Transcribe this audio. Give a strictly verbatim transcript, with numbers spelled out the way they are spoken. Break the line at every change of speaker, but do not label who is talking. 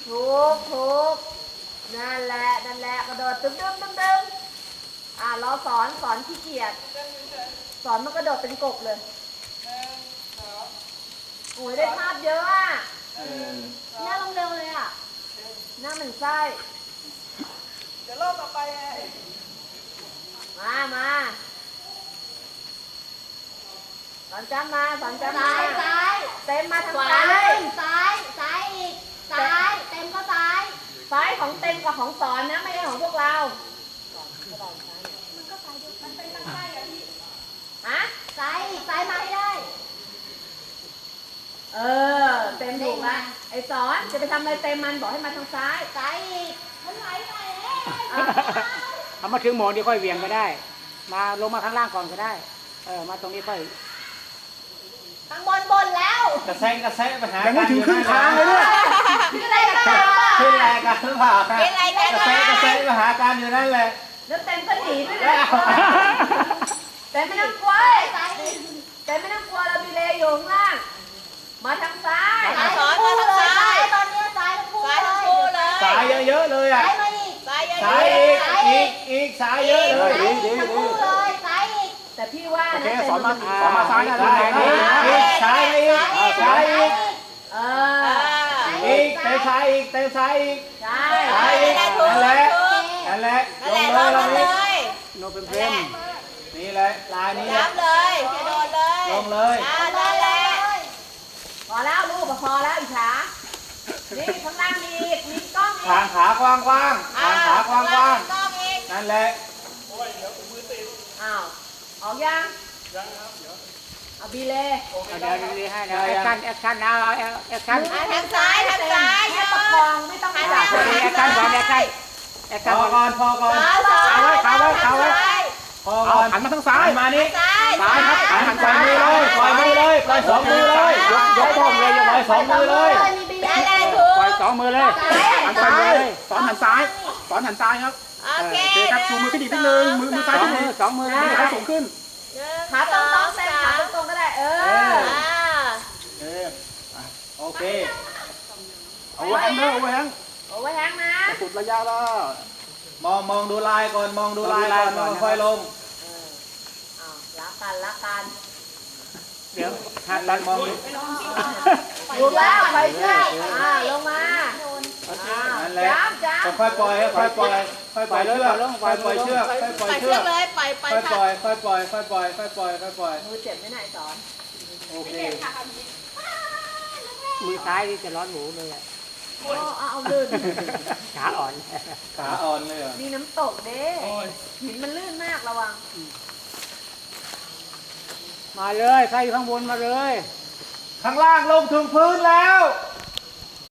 ถูกถูกนั่นแหละนั่นแหละกระโดดตึ้งตึ้งตึ้งตึ้งอ่าเราสอนสอนขี้เกียจสอนมันกระโดดเป็นกบเลยโอ้ยได้ภาพเยอะอ่ะหน้าลงเร็วเลยอ่ะหน้าเหมือนไส้เดี๋ยวรอบต่อไปไงมามาสอนจ้ามาสอนจ้ามาซ้ายซ้ายเต็มมาทางซ้ายซ้ายซ้ายอีกซ้ายเต็มก็ซ้ายซ้ายของเต็มกับของสอนนะไม่ใช่ของพวกเรามันก็ซ้ายด้วยมันเป็นทางซ้ายอะพี่ฮะซ้ายซ้ายมาให้ได้เออเต็มถูกละไอ้สอนจะไปทำอะไรเต็มมันบอกให้มาทางซ้ายซ้ายอีกมันไหลไป
เอามาถึงหมอนดีค่อยเวียงก็ได้มาลงมาข้างล่างก่อนก็ได้เออมาตรงนี้ค่อย
ข้างบนบนแล้ว
กระแซงกระแซงไปหา
ยังไม่ถึงครึ่งทางเลยเนี่ย
ขึ้นอะไรกัน
ขึ้นแรงกันหรือเปล่ากระแซงกระแซงไปหาการอยู่นั่นแหละ
แล้วเต็มก็หนีด้วยนะแต่ไม่ต้องกลัวแต่ไม่ต้องกลัวเรามีเลอยู่ข้างล่างมาทางซ้าย
สอนมาทางซ้าย
ตอนนี้ซ้ายทั้งคู่
ซ้ายทั้งคู่เลย
สายเยอะๆเลยอ่ะ
ซ้ายมาอีก
ซ้ายเยอะ
สายอีกอีกอีกสายเยอะเลย
ซ้ายทั้งคู่เลยซ้ายอีกแต่พี่ว่านะ
สอนมาสอนมาซ้ายนะซ้าย
อีกสายอีกสายอีก
เออ
อีกเตะซ้ายอีกเตะซ้ายอีก
ใช่
ซ้ายอีกนั่นแหละนั่นแหละลงเลยลงเลย
โนเป็นเพลง
นี่แหละลายนี้
ย้ำเลยกระโดดเลย
ลงเลย
นั่นแหละ
พอแล้วลูกพอแล้วอีกขานี่ข้างล่างมีอีกมีกล้องอีก
ทางขากว้างกว้างทางขากว้างกว้างนั่นแหละ
อ้าวออกยังยังครับเดี๋ยวเอาบีเล่
เดี๋ยวดีให้เดี๋ยวแอคชั่นแอคชั่นนะเอาแอคชั่น
ทางซ้ายทางซ้ายโย
ประคองไม่ต้องจับ
แอคชั่นก่อนแอคชั่นแอคชั่น
พอก่อนพอก่อน
ขาไว้ขาไว้ขาไว้
พอก่อน
หันมาทางซ้าย
มานี่
ซ้าย
ซ้ายครับหัน
ปล่อยมือเลยปล่อยมือเลยปล่อยสองมือเลย
ยกยกพร้อมเลยยก
ปล่อยสองมือเลย
ปล่อยสองมือเลยหันซ้ายเลยสอนหันซ้ายสอนหันซ้ายครับ
โอเค
ครับชูมือขึ้นอีกนิดนึงมือมือซ้ายขึ้นสองมือให้สูงขึ้น
ขาตรงตรงเส้นขาตรงก็ได้เออ
เออโอเค
เอาไว้แฮงเอาไว้แฮง
เอาไว้แฮงนะ
สุดระยะแล้ว
มองมองดูลายก่อนมองดูลายก่อนมองค่อยลง
รักกันรักกัน
เดี๋ยวหันหลังมอง
ดูแล้วไปเชือกอ่าลงมา
นั่นแหละค่อยปล่อยค่อยปล่อยค่อยปล่อยเชือกค่อยปล่อยเชือกค่อยปล่อยเชือก
เลยปล่อยปล่อย
ค่อยปล่อยค่อยปล่อยค่อยปล่อยค่อยปล่อยค่อยปล่อย
มือเจ็บไม่ไหนสอน
โอเค
มือซ้ายนี่จะร้อนหมูเลยอ่ะ
โอ้เอาลื่น
ขาอ่อน
ขาอ่อนเลย
มีน้ำตกเด้หินมันลื่นมากระวัง
มาเลยใครอยู่ข้างบนมาเลย
ข้างล่างลงถึงพื้นแล้ว